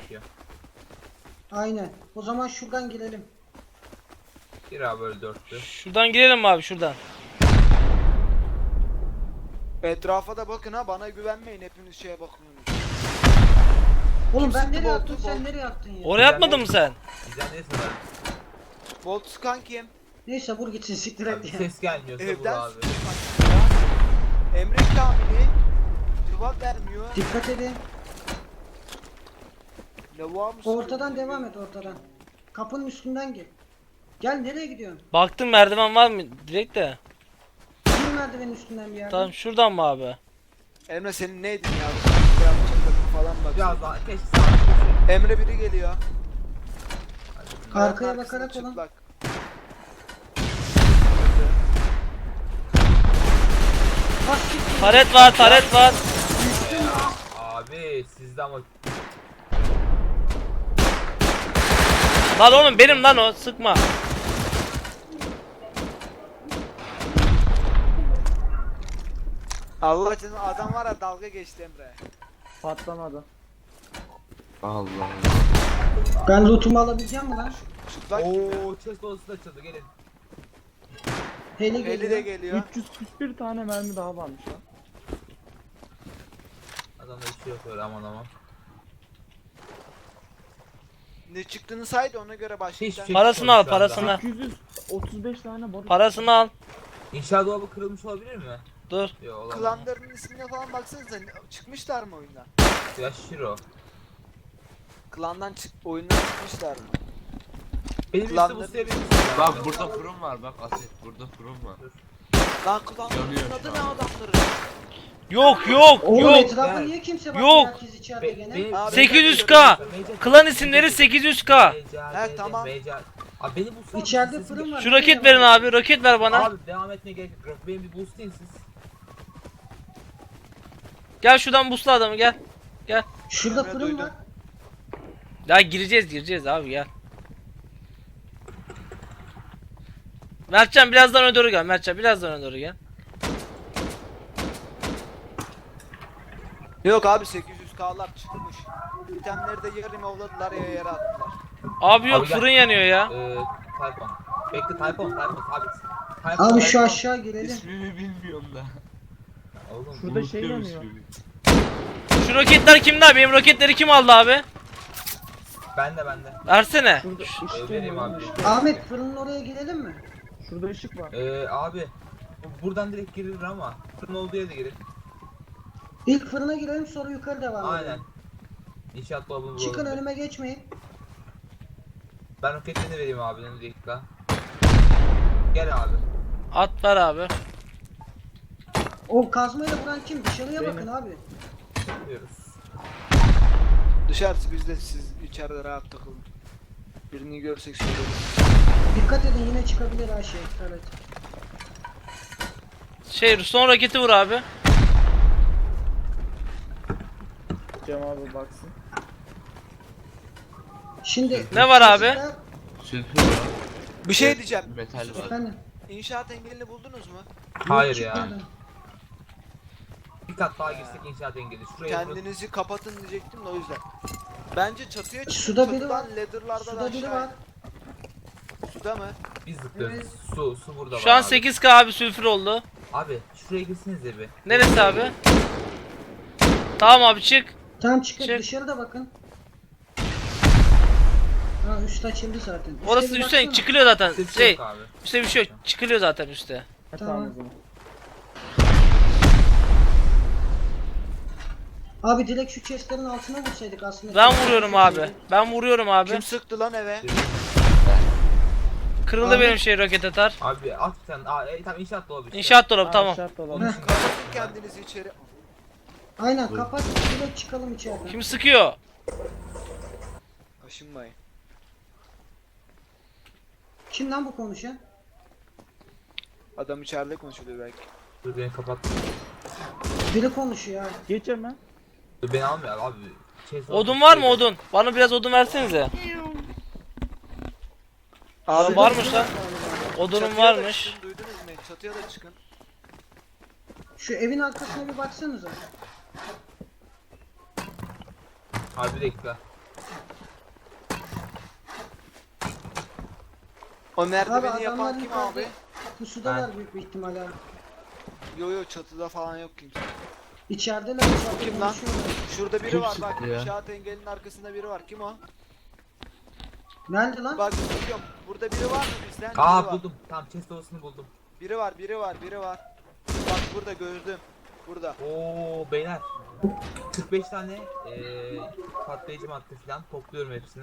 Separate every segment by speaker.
Speaker 1: gerekiyor.
Speaker 2: Aynen. O zaman şuradan girelim.
Speaker 1: Gir abi böyle dörtlü.
Speaker 3: Şuradan girelim mi abi şuradan?
Speaker 4: Etrafa da bakın ha, bana güvenmeyin, hepiniz şeye bakıyorsunuz.
Speaker 2: Oğlum
Speaker 4: Kim
Speaker 2: ben
Speaker 4: sıktı
Speaker 2: nereye
Speaker 4: boltu?
Speaker 2: attım sen nereye attın ya?
Speaker 3: Oraya atmadın mı sen?
Speaker 1: Bizden neyse ben.
Speaker 4: Bolt sıkan kim?
Speaker 2: Neyse vur gitsin siktir
Speaker 1: Abi
Speaker 2: et ya.
Speaker 1: ses gelmiyorsa vur
Speaker 4: Evden
Speaker 1: abi.
Speaker 4: sıkan kim ya? Emre Kamil'i cevap vermiyor.
Speaker 2: Dikkat edin.
Speaker 4: Lavuğa mı
Speaker 2: Ortadan
Speaker 4: sıkıyor?
Speaker 2: devam et ortadan. Kapının üstünden gel. Gel nereye gidiyorsun?
Speaker 3: Baktım merdiven var mı direkt de.
Speaker 2: Gir merdivenin üstünden bir yerden.
Speaker 3: Tamam şuradan mı abi?
Speaker 4: Emre senin neydin ya? Bir yapacak falan bak.
Speaker 1: Biraz daha keşke sağ.
Speaker 4: Emre biri geliyor.
Speaker 2: Arkaya
Speaker 4: Kayanın
Speaker 2: bakarak
Speaker 4: arkasında
Speaker 2: olun.
Speaker 4: çıplak.
Speaker 2: Bas siktir.
Speaker 3: Taret var, taret var.
Speaker 1: Abi sizde ama
Speaker 3: Lan oğlum benim lan o, sıkma.
Speaker 4: Allah için adam var ya, dalga geçti Emre.
Speaker 5: Patlamadı.
Speaker 6: Allah.
Speaker 2: Ben lootumu alabileceğim mi lan?
Speaker 4: Çıplak kim ya?
Speaker 1: ooo chest odası da açıldı gelin.
Speaker 2: Heli
Speaker 4: Eli de
Speaker 2: geliyor.
Speaker 4: geliyor.
Speaker 5: 341 tane mermi daha varmış lan.
Speaker 1: Adamda bir şey yok öyle aman aman.
Speaker 4: Ne çıktığını saydı, ona göre başlayacağım.
Speaker 1: Hiçbir şey
Speaker 3: Parasını al,
Speaker 1: çıkmadı şu
Speaker 3: parasını.
Speaker 1: anda.
Speaker 5: 235 tane barut.
Speaker 3: Parasını al.
Speaker 1: İnşaat dolabı kırılmış olabilir mi?
Speaker 3: Dur.
Speaker 1: Yok olamaz.
Speaker 4: Klanların ismine falan baksanıza, çıkmışlar mı oyundan?
Speaker 1: Ya Shiro.
Speaker 4: Klandan oyundan çıkmışlar mı?
Speaker 1: Benim üstü bu
Speaker 4: Klanların-
Speaker 1: seviye.
Speaker 6: Bak burada fırın var, bak Aset burada fırın var.
Speaker 4: Lan klanların
Speaker 6: Yanıyor
Speaker 4: adı
Speaker 6: şu
Speaker 4: ne
Speaker 6: an.
Speaker 4: adamların?
Speaker 3: Yok
Speaker 2: Oğlum
Speaker 3: yok.
Speaker 2: etrafa
Speaker 1: ben-
Speaker 2: niye kimse bakmıyor?
Speaker 3: Yok.
Speaker 2: Herkes içeride gene.
Speaker 4: Abi,
Speaker 3: 800k. Klan isimleri 800k.
Speaker 4: He, tamam.
Speaker 1: Abi beni bu
Speaker 2: İçeride fırın var.
Speaker 3: Şu roket verin abi, roket ver bana.
Speaker 1: Abi devam etmeye gerek yok. Beni bir boostlayın siz.
Speaker 3: Gel şuradan busla adamı gel.
Speaker 2: Şurada
Speaker 4: Emre
Speaker 2: fırın
Speaker 4: duydum.
Speaker 2: var.
Speaker 3: Ya gireceğiz abi gel. Mertcan birazdan öne doğru gel. Mertcan birazdan öne doğru gel.
Speaker 4: Yok abi, 800k'lar çıkmış. İtemleri de yarım avladılar ya, yere attılar.
Speaker 3: Abi yok
Speaker 1: Abi gel.
Speaker 3: fırın yanıyor ya.
Speaker 1: Tayfon. Bekle Tayfon sabit.
Speaker 2: Abi şu aşağı girelim.
Speaker 6: İsmini bilmiyorum da.
Speaker 1: Oğlum
Speaker 5: Şurada şey
Speaker 6: Unutuyorum
Speaker 5: yanıyor.
Speaker 6: ismini.
Speaker 3: Şu roketler kimde abi? Benim roketleri kim aldı abi?
Speaker 1: bende.
Speaker 3: Versene.
Speaker 5: Şurada ışık
Speaker 1: Vereyim
Speaker 5: yanıyor.
Speaker 1: abi.
Speaker 5: Işık.
Speaker 2: Ahmet fırının oraya girelim mi?
Speaker 5: Şurada ışık var.
Speaker 1: Abi buradan direkt girilir ama fırın olduğu yere de girin.
Speaker 2: İlk fırına girelim sonra yukarı devam
Speaker 1: Aynen.
Speaker 2: edelim.
Speaker 1: İnşaat dolabını
Speaker 2: Çıkın
Speaker 1: bulalım.
Speaker 2: önüme geçmeyin.
Speaker 1: Ben roketlerini vereyim abi bir dakika. Gel abi.
Speaker 3: At ver abi.
Speaker 2: O kazmayla vuran kim? Dışarıya
Speaker 5: Benim.
Speaker 2: bakın abi.
Speaker 1: Yapıyoruz.
Speaker 4: Dışarısı bizde, siz içeride rahat takılın. Birini görsek söyleriz.
Speaker 2: Dikkat edin yine çıkabilir her şey. Evet.
Speaker 3: Son roketi vur abi.
Speaker 5: Cem abi baksın.
Speaker 2: Şimdi
Speaker 3: Ne var abi?
Speaker 6: Sülfür var.
Speaker 4: Bir şey diyeceğim.
Speaker 6: Metal var.
Speaker 2: Efendim.
Speaker 4: İnşaat engelini buldunuz mu?
Speaker 1: Hayır
Speaker 2: Yok,
Speaker 1: ya.
Speaker 2: çıkmadı.
Speaker 1: Bir kat daha girsek inşaat engeli. Şuraya
Speaker 4: Kendinizi kapatın diyecektim de o yüzden. Bence çatıya çıkın.
Speaker 2: Suda biri var.
Speaker 4: Ladder'lardan
Speaker 2: Suda biri
Speaker 4: aşağı
Speaker 2: var.
Speaker 4: in. Suda mı?
Speaker 1: biz zıplıyoruz.
Speaker 2: Evet.
Speaker 1: Su burada var
Speaker 3: Şu an
Speaker 1: abi.
Speaker 3: 8k abi sülfür oldu.
Speaker 1: Abi şuraya girsiniz de bir.
Speaker 3: Neresi abi? Tamam abi çık.
Speaker 2: Tamam çıkın
Speaker 3: Çık.
Speaker 2: dışarıda bakın. Ha üst açıldı zaten. Üste
Speaker 3: Orası
Speaker 2: bir
Speaker 3: üstte
Speaker 2: baksana.
Speaker 3: çıkılıyor zaten.
Speaker 1: Ses yok abi.
Speaker 3: Üstte bir şey yok. Çıkılıyor zaten üstte.
Speaker 5: Ha,
Speaker 2: Tamam.
Speaker 5: tamam o zaman.
Speaker 2: Abi direkt şu chestlerin altına vursaydık aslında.
Speaker 3: Ben vuruyorum abi. Ben vuruyorum
Speaker 4: Kim
Speaker 3: abi.
Speaker 4: sıktı lan eve?
Speaker 3: Kırıldı
Speaker 2: Abi.
Speaker 3: benim roket atar.
Speaker 1: Abi at sen. Tamam inşaat dolabı işte.
Speaker 3: İnşaat dolabı
Speaker 5: Ha,
Speaker 3: tamam.
Speaker 5: şart olan.
Speaker 1: Onun için
Speaker 4: Kapatın kendinizi içeri.
Speaker 2: Aynen kapat direkt çıkalım içeriden.
Speaker 3: Kim sıkıyor?
Speaker 4: Aşınmayın.
Speaker 2: Kim lan bu konuşan?
Speaker 4: Adam içeride konuşuyordu belki.
Speaker 1: Dur beni kapat.
Speaker 2: Biri konuşuyor abi.
Speaker 5: Geç hemen.
Speaker 1: Dur beni almıyor abi.
Speaker 3: Odun var mı odun? Bana biraz odun versenize.
Speaker 4: Abi
Speaker 3: Varmış lan. Odunum
Speaker 4: çatıya da
Speaker 3: varmış.
Speaker 4: çıkın, duydunuz mu? Çatıya da çıkın.
Speaker 2: Şu evin arkasına bir baksanıza.
Speaker 1: Abi bir dakika.
Speaker 4: O
Speaker 2: Abi
Speaker 4: merdiveni
Speaker 2: adamlar
Speaker 4: yapan kim
Speaker 2: yukarıda.
Speaker 4: abi?
Speaker 2: Pusudalar büyük bir ihtimal abi.
Speaker 4: Yo çatıda falan yok kimse.
Speaker 2: İçerideler. içeride
Speaker 4: Kim lan?
Speaker 2: konuşuyorlar.
Speaker 4: Şurada biri
Speaker 6: Kim
Speaker 4: var bak.
Speaker 6: sıktı ya?
Speaker 4: İnşaat engelinin arkasında biri var. Kim o?
Speaker 2: Nerede lan?
Speaker 4: Bak biliyorum. Burada biri var mı bizden? Biri
Speaker 1: Aa
Speaker 4: var.
Speaker 1: buldum. Tamam chest odasını buldum.
Speaker 4: Biri var. Bak burada gördüm. Burada.
Speaker 1: Oo beyler. 45 tane patlayıcı madde falan topluyorum hepsini.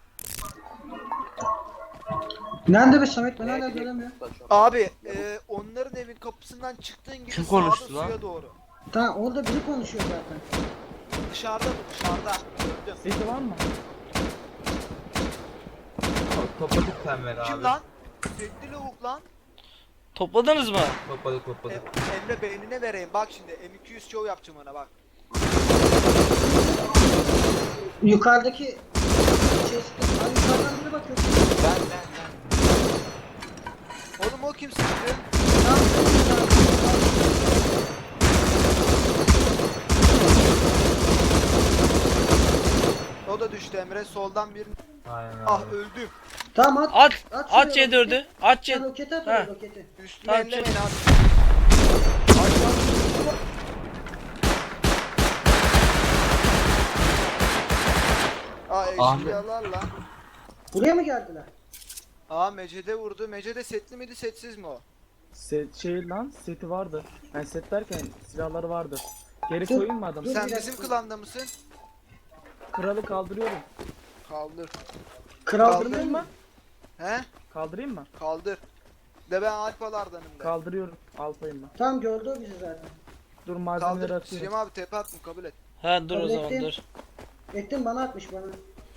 Speaker 2: Nerede be Samet? Ben hala göremiyorum.
Speaker 4: Abi onların evin kapısından çıktığın gibi
Speaker 6: Kim
Speaker 4: sağda
Speaker 6: konuştu lan?
Speaker 4: suya doğru.
Speaker 2: Tamam orada biri konuşuyor zaten.
Speaker 4: Dışarıda mı? Dışarıda. Gördüm.
Speaker 5: Sesi var mı?
Speaker 1: Topladık Temver abi.
Speaker 4: Kim lan? Setli lavuk lan.
Speaker 3: Topladınız mı?
Speaker 1: Topladık.
Speaker 4: Emre beynine vereyim. Bak şimdi M200 show yapacağım ona bak.
Speaker 2: Yukarıdaki chest'te. Abi yukarıdan biri bakıyor.
Speaker 6: Ben.
Speaker 4: Oğlum o kim sıktı?
Speaker 2: Tamam.
Speaker 4: O da düştü Emre. Soldan bir...
Speaker 1: Aynen abi.
Speaker 4: Ah öldüm.
Speaker 2: Tamam
Speaker 3: At.
Speaker 2: At
Speaker 3: At
Speaker 2: şuraya
Speaker 3: C4'ü. At
Speaker 2: Sen
Speaker 3: C4.
Speaker 2: roketi at
Speaker 3: Ha.
Speaker 2: oraya roketi.
Speaker 4: Üstüme
Speaker 3: Tamam,
Speaker 4: ellemeyin
Speaker 3: çek.
Speaker 4: abi. Aa eşkıyalar lan.
Speaker 2: Buraya mı geldiler?
Speaker 4: Aa Mecede vurdu. Mecede setli miydi setsiz mi o?
Speaker 5: Set şey lan seti vardı. Yani set derken silahları vardı. Geri
Speaker 2: Dur,
Speaker 5: koyayım mı adam?
Speaker 2: dur.
Speaker 4: Sen
Speaker 2: bir dakika.
Speaker 4: bizim klanda mısın?
Speaker 5: Kralı kaldırıyorum.
Speaker 4: Kaldır.
Speaker 5: Kaldırayım mı?
Speaker 4: He?
Speaker 5: Kaldırayım mı?
Speaker 4: Kaldır. De ben Alpalardanım de.
Speaker 5: Kaldırıyorum. Alpayım ben.
Speaker 2: Tamam gördü o bizi zaten.
Speaker 5: Dur malzemeleri
Speaker 4: Kaldır.
Speaker 5: atıyorum.
Speaker 4: Süleyman abi tepe attım kabul et.
Speaker 3: Ha dur o zaman
Speaker 2: Hallettim.
Speaker 3: dur.
Speaker 2: Ettin bana atmış bana.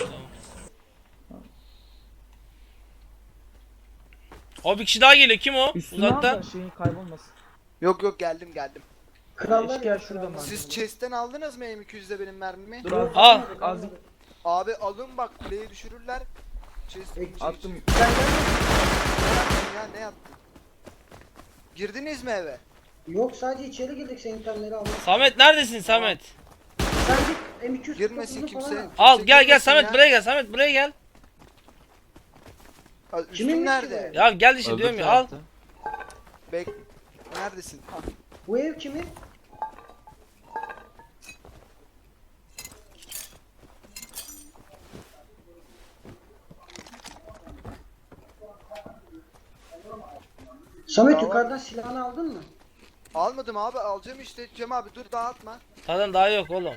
Speaker 3: O bir kişi daha geliyor. Kim o?
Speaker 5: Üstüne al
Speaker 3: Uzaktan.
Speaker 5: da şeyin kaybolmasın.
Speaker 4: Yok geldim.
Speaker 2: Krallar
Speaker 5: Eşkıya
Speaker 2: ya,
Speaker 5: şurada
Speaker 2: krallar.
Speaker 5: mı?
Speaker 4: Siz chest'ten aldınız mı M200'de benim mermimi?
Speaker 5: Dur al.
Speaker 3: Al.
Speaker 5: Az
Speaker 4: Abi alın bak kuleyi düşürürler. Chest
Speaker 5: attım.
Speaker 2: Sen gelmedin.
Speaker 4: ya ne yaptın? Girdiniz mi eve?
Speaker 2: Yok sadece içeri girdik senin itemleri almak.
Speaker 3: Samet neredesin Samet?
Speaker 2: Sen git M200
Speaker 4: Girmesin
Speaker 2: kapısını
Speaker 4: kimse.
Speaker 2: falan
Speaker 3: Al
Speaker 4: Kimse
Speaker 3: gel
Speaker 4: girmesin
Speaker 3: Samet
Speaker 4: ya.
Speaker 3: buraya gel. Samet buraya gel.
Speaker 4: Aa, Üstüm
Speaker 2: Kiminmiş
Speaker 4: nerede?
Speaker 2: ki
Speaker 3: Ya gel işte
Speaker 6: Öbür
Speaker 3: diyorum ya al.
Speaker 6: tarafta.
Speaker 4: Bek. Neredesin? Ah.
Speaker 2: Bu ev kimin? Samet yukarıdan silahını aldın mı?
Speaker 4: Almadım abi alacağım işte. Cem abi dur dağıtma.
Speaker 3: Zaten daha yok oğlum.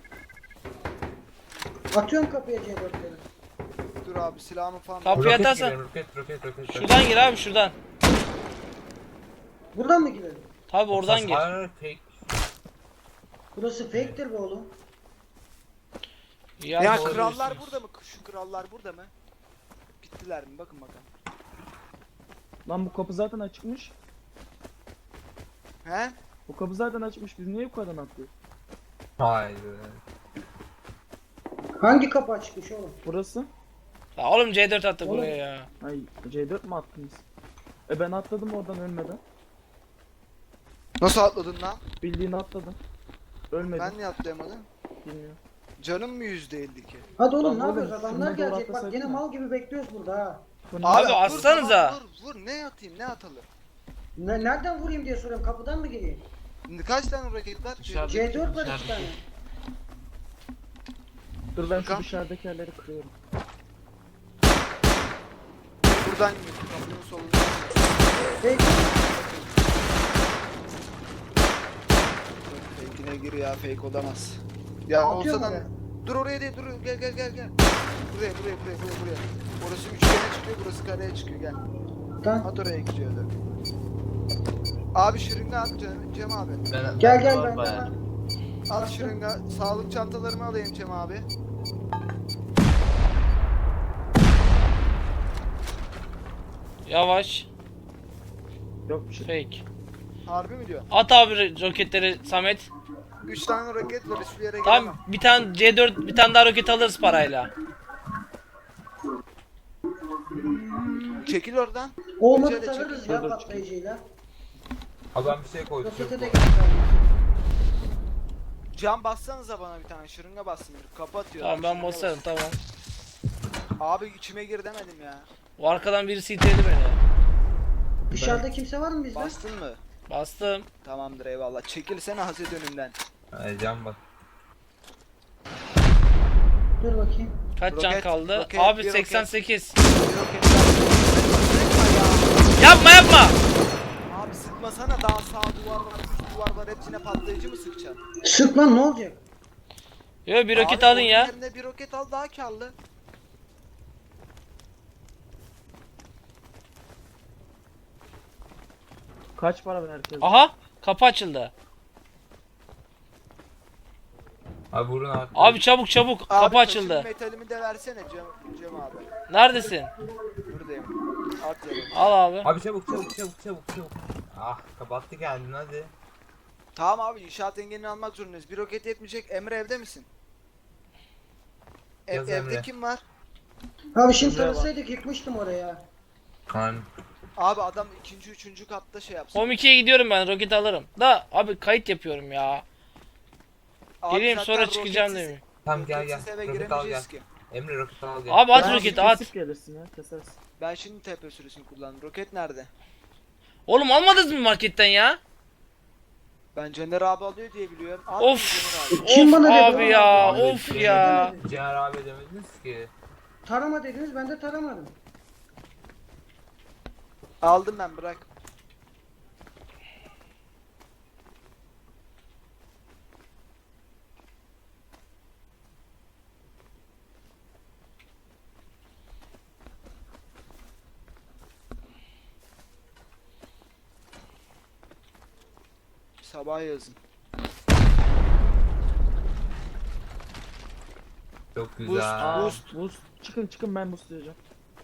Speaker 2: Atıyorum kapıya C4'leri.
Speaker 4: Dur abi silahımı falan.
Speaker 3: Kapıyı
Speaker 1: Roket
Speaker 3: atarsan.
Speaker 1: giriyorum, roket.
Speaker 3: Şuradan gir abi şuradan.
Speaker 2: Buradan mı girelim?
Speaker 3: Tabi oradan gir.
Speaker 1: Hayır, fake.
Speaker 2: Burası fake'tir be oğlum.
Speaker 4: Ya
Speaker 3: doğru
Speaker 4: krallar
Speaker 3: diyorsunuz.
Speaker 4: burada mı? Şu krallar burada mı? Gittiler mi? Bakın bakalım.
Speaker 5: Lan bu kapı zaten açıkmış.
Speaker 4: He?
Speaker 5: Bu kapı zaten açıkmış. Biz niye yukarıdan atlıyoruz?
Speaker 1: Hayır.
Speaker 2: Hangi kapı açıkmış oğlum?
Speaker 5: Burası.
Speaker 3: Ya oğlum C4 attı
Speaker 2: Oğlum.
Speaker 3: buraya ya.
Speaker 5: Ay C4 mi attınız? Ben atladım oradan ölmeden.
Speaker 4: Nasıl atladın lan?
Speaker 5: Bildiğin atladım. Ölmedim.
Speaker 4: Ben niye atlayamadım?
Speaker 5: Bilmiyorum.
Speaker 4: Canım mı %52?
Speaker 2: Hadi oğlum
Speaker 5: Lan
Speaker 2: ne
Speaker 5: oğlum,
Speaker 2: yapıyoruz? Adamlar
Speaker 5: şuna doğru
Speaker 2: gelecek bak
Speaker 5: atlasaydın
Speaker 2: gene
Speaker 5: ya.
Speaker 2: mal gibi bekliyoruz burada ha.
Speaker 5: Bu ne?
Speaker 3: Abi,
Speaker 4: vur,
Speaker 3: atsanıza.
Speaker 4: tamam, vur ne atayım ne atalım?
Speaker 2: Nereden vurayım diye soruyorum kapıdan mı gireyim?
Speaker 4: Kaç tane roket var?
Speaker 6: Dışarıda.
Speaker 2: C4 var
Speaker 6: Dışarıda.
Speaker 2: 2 tane.
Speaker 5: Dur ben şu
Speaker 4: Bakalım.
Speaker 5: dışarıdaki yerleri kırıyorum.
Speaker 4: Buradan gidiyor. Kapının solunda.
Speaker 2: Fake.
Speaker 4: Fake'ine gir ya fake olamaz. Ya
Speaker 2: Atıyor
Speaker 4: olsa
Speaker 2: mu
Speaker 4: da
Speaker 2: oraya?
Speaker 4: dur oraya değil dur gel. Buraya. Orası üçgene çıkıyor burası kareye çıkıyor gel.
Speaker 2: Tamam.
Speaker 4: At oraya gidiyor da. Abi şırınga at Cem abi.
Speaker 2: Gel
Speaker 6: Var
Speaker 2: ben
Speaker 6: bayağı.
Speaker 2: var.
Speaker 4: At şırınga. Sağlık çantalarımı alayım Cem abi.
Speaker 3: Yavaş.
Speaker 5: Yok bir şey.
Speaker 3: Fake.
Speaker 4: Harbi mi diyor?
Speaker 3: At abi roketleri Samet.
Speaker 4: 3 tane roket var hiçbir yere
Speaker 3: Tam
Speaker 4: giremem.
Speaker 3: bir tane C4 bir tane daha roket alırız parayla.
Speaker 4: Çekil oradan.
Speaker 2: Olmadı
Speaker 4: Önce de
Speaker 2: tanırız
Speaker 4: çekil.
Speaker 2: ya
Speaker 5: Dur,
Speaker 2: patlayıcıyla.
Speaker 1: Abi ben bir şey koydum.
Speaker 2: Rokete de
Speaker 1: Yok.
Speaker 2: geçer.
Speaker 4: Cam bassanıza bana bir tane şırınga bassın. Kapı atıyor.
Speaker 3: Tamam ben
Speaker 4: Şırınga
Speaker 3: basarım
Speaker 4: bas.
Speaker 3: tamam.
Speaker 4: Abi içime gir demedim ya.
Speaker 3: O arkadan birisi iteledi beni.
Speaker 2: Dışarıda kimse var mı bizde?
Speaker 4: Bastın mı?
Speaker 3: Bastım.
Speaker 4: Tamamdır eyvallah. Çekilsene Haset önümden.
Speaker 1: Can bak.
Speaker 2: Dur bakayım.
Speaker 3: Kaç can
Speaker 4: Roket,
Speaker 3: kaldı?
Speaker 4: roket,
Speaker 3: Abi
Speaker 4: bir roket.
Speaker 3: 88.
Speaker 4: Bir roketten
Speaker 3: Yapma yapma.
Speaker 4: Abi sıkmasana, daha sağ duvar var, üst duvar var, hepsine patlayıcı mı sıkacaksın?
Speaker 2: Sık lan, ne olacak?
Speaker 3: Yo bir roket
Speaker 4: Abi,
Speaker 3: alın
Speaker 4: onun
Speaker 3: ya.
Speaker 4: yerine bir roket al, daha karlı.
Speaker 5: Kaç para ver herkes?
Speaker 3: Aha kapı açıldı.
Speaker 1: Abi vurun abi.
Speaker 3: Abi çabuk çabuk
Speaker 4: Abi,
Speaker 3: kapı
Speaker 4: taşın
Speaker 3: açıldı.
Speaker 4: metalimi de versene Cem abi.
Speaker 3: Neredesin?
Speaker 4: Buradayım. At yanıma.
Speaker 3: Al abi.
Speaker 1: Abi çabuk çabuk çabuk çabuk çabuk. Ah kapattı kendini hadi.
Speaker 4: Tamam abi, inşaat engelini almak zorundayız. Bir roket yetmeyecek. Emre evde misin?
Speaker 1: Yaz
Speaker 4: Evde
Speaker 1: Emre.
Speaker 4: kim var?
Speaker 2: Abi şimdi
Speaker 5: Güzel bak.
Speaker 2: tanısaydık yıkmıştım oraya.
Speaker 1: Kan.
Speaker 4: Abi adam ikinci, üçüncü katta şey yapsın.
Speaker 3: Home 2'ye gidiyorum ben roket alırım. Da abi kayıt yapıyorum ya.
Speaker 4: Abi
Speaker 3: Geleyim
Speaker 4: zaten
Speaker 3: sonra çıkacağım
Speaker 4: roketsiz-
Speaker 3: değil mi?
Speaker 1: Tamam gel gel.
Speaker 4: roketsiz eve
Speaker 1: Roket al gel.
Speaker 4: giremeyeceğiz ki.
Speaker 1: Emre roket al gel.
Speaker 3: Abi at
Speaker 5: Ben
Speaker 3: roketi at.
Speaker 5: kesip gelirsin ya, kesersin.
Speaker 4: Ben şimdi TP sürüsünü kullandım. Roket nerede?
Speaker 3: Oğlum almadınız mı marketten ya?
Speaker 4: Ben Caner abi alıyor diye biliyorum. Al
Speaker 3: Of.
Speaker 4: Caner abi.
Speaker 2: Kim
Speaker 3: Of
Speaker 2: bana dedi
Speaker 3: abi
Speaker 2: onu?
Speaker 3: ya
Speaker 1: Abi,
Speaker 3: of
Speaker 1: Caner
Speaker 3: ya.
Speaker 2: demedi.
Speaker 1: Ciğer abi demediniz ki.
Speaker 2: Tarama dediniz, ben de taramadım.
Speaker 4: Aldım ben, bırak. Sabah yazın.
Speaker 1: Çok güzel.
Speaker 5: Aa,
Speaker 4: Boost.
Speaker 5: boost. Çıkın çıkın, ben boostlayacağım.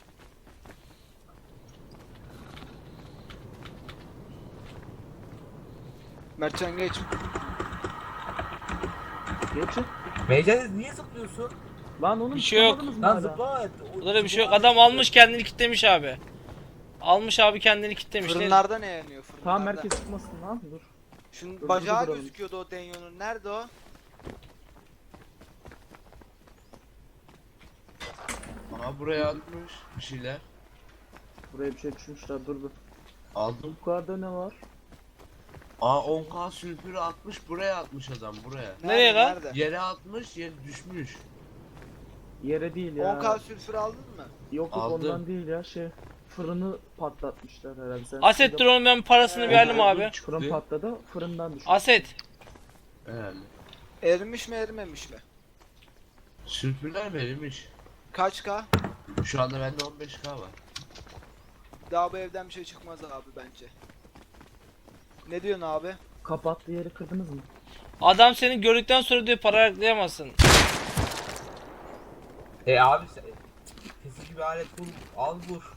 Speaker 4: Mertcan geç.
Speaker 5: Geçin.
Speaker 1: Meyce'de niye zıplıyorsun?
Speaker 5: Lan onun
Speaker 3: Bir şey yok.
Speaker 5: çıkamadınız mı
Speaker 1: Lan
Speaker 5: hala?
Speaker 1: zıpla.
Speaker 3: Burada bir şey yok. Adam almış kendini kitlemiş abi. Almış abi kendini kitlemiş. Ne-
Speaker 4: Fırınlarda ne yanıyor fırınlarda?
Speaker 5: Tamam, herkes çıkmasın lan, dur.
Speaker 4: Şunun
Speaker 5: Dur,
Speaker 4: bacağı
Speaker 5: duralım.
Speaker 4: gözüküyordu o Denyo'nun. Nerede o?
Speaker 6: Aa buraya atmış bir şeyler.
Speaker 5: Buraya bir şey düşmüşler, dur dur.
Speaker 6: Aldım.
Speaker 5: Yukarıda ne var?
Speaker 6: Aa 10k sülfürü atmış, buraya atmış adam, buraya.
Speaker 3: Nereye lan?
Speaker 4: Nerede?
Speaker 6: Yere atmış, yere düşmüş.
Speaker 5: Yere değil ya.
Speaker 4: 10k sülfür aldın mı?
Speaker 5: Yok yok,
Speaker 6: Aldım.
Speaker 5: ondan değil ya, şey. Fırını patlatmışlar herhalde. Sen
Speaker 3: Aset dur oğlum ben parasını verdim abi.
Speaker 5: Fırın patladı, fırından düştü.
Speaker 3: Aset.
Speaker 6: Herhalde.
Speaker 4: Erimiş mi erimemiş mi?
Speaker 6: Sülfürler verilmiş.
Speaker 4: Kaç k?
Speaker 6: Şu anda bende 15k var.
Speaker 4: Daha bu evden bir şey çıkmaz abi bence. Ne diyorsun abi?
Speaker 5: Kapattığı yeri kırdınız mı?
Speaker 3: Adam seni gördükten sonra diyor para ayaklayamazsın.
Speaker 1: Abi sen kesici bir alet bul. Al vur.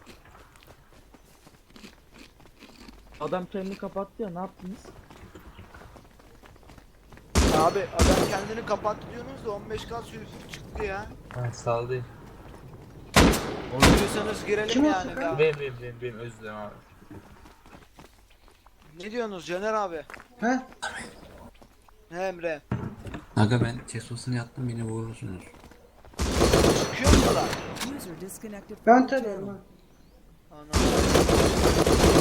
Speaker 5: Adam kendini kapattı ya, ne yaptınız?
Speaker 4: Abi adam kendini kapattı diyorsunuz da 15k sülfür çıktı ya.
Speaker 1: Ha saldı.
Speaker 4: Onu diyorsanız girelim
Speaker 2: Kim o
Speaker 4: yani
Speaker 2: sıkan?
Speaker 4: be.
Speaker 1: Benim özür dilerim abi.
Speaker 4: Ne diyorsunuz Caner abi?
Speaker 2: He?
Speaker 4: He Emre.
Speaker 7: Aga ben Tesos'unu yattım, beni vurursunuz.
Speaker 4: Çıkıyor mu lan?
Speaker 8: User disconnected from
Speaker 2: Ben
Speaker 8: your
Speaker 2: tarıyorum
Speaker 8: channel.
Speaker 2: ha.
Speaker 4: Ana.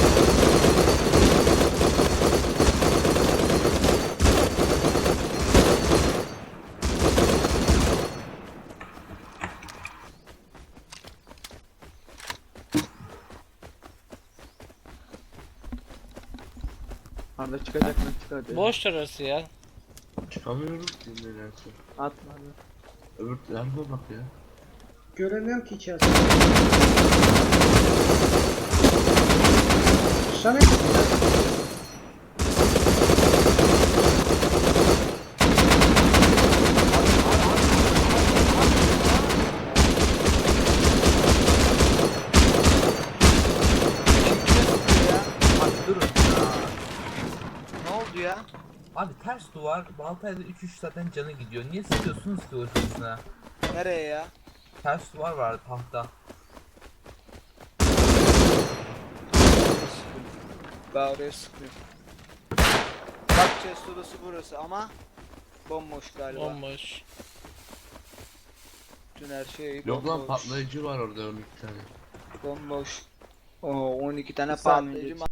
Speaker 5: Arda çıkacak mı, çıkar.
Speaker 3: Boş orası ya.
Speaker 6: Çıkamıyorum ki nedense.
Speaker 5: Atma abi.
Speaker 6: Öbür tarafa bak ya.
Speaker 2: Göremiyorum ki içerisinde. Sana
Speaker 1: Abi durun ya.
Speaker 4: Ne oldu ya?
Speaker 1: Abi ters duvar. Baltayla 3-3 zaten canı gidiyor. Niye sıkıyorsunuz ki ortasına?
Speaker 4: Nereye ya?
Speaker 1: Ters duvar var tahta.
Speaker 4: Ben oraya sıkıyorum. Bak chest odası burası ama bomboş galiba.
Speaker 3: Bomboş.
Speaker 4: Bütün her şey
Speaker 6: Yok lan
Speaker 4: bomboş.
Speaker 6: patlayıcı var orada 12 tane.
Speaker 4: Bomboş. Oo 12 tane
Speaker 5: Bir saniye
Speaker 4: patlayıcı
Speaker 5: geç.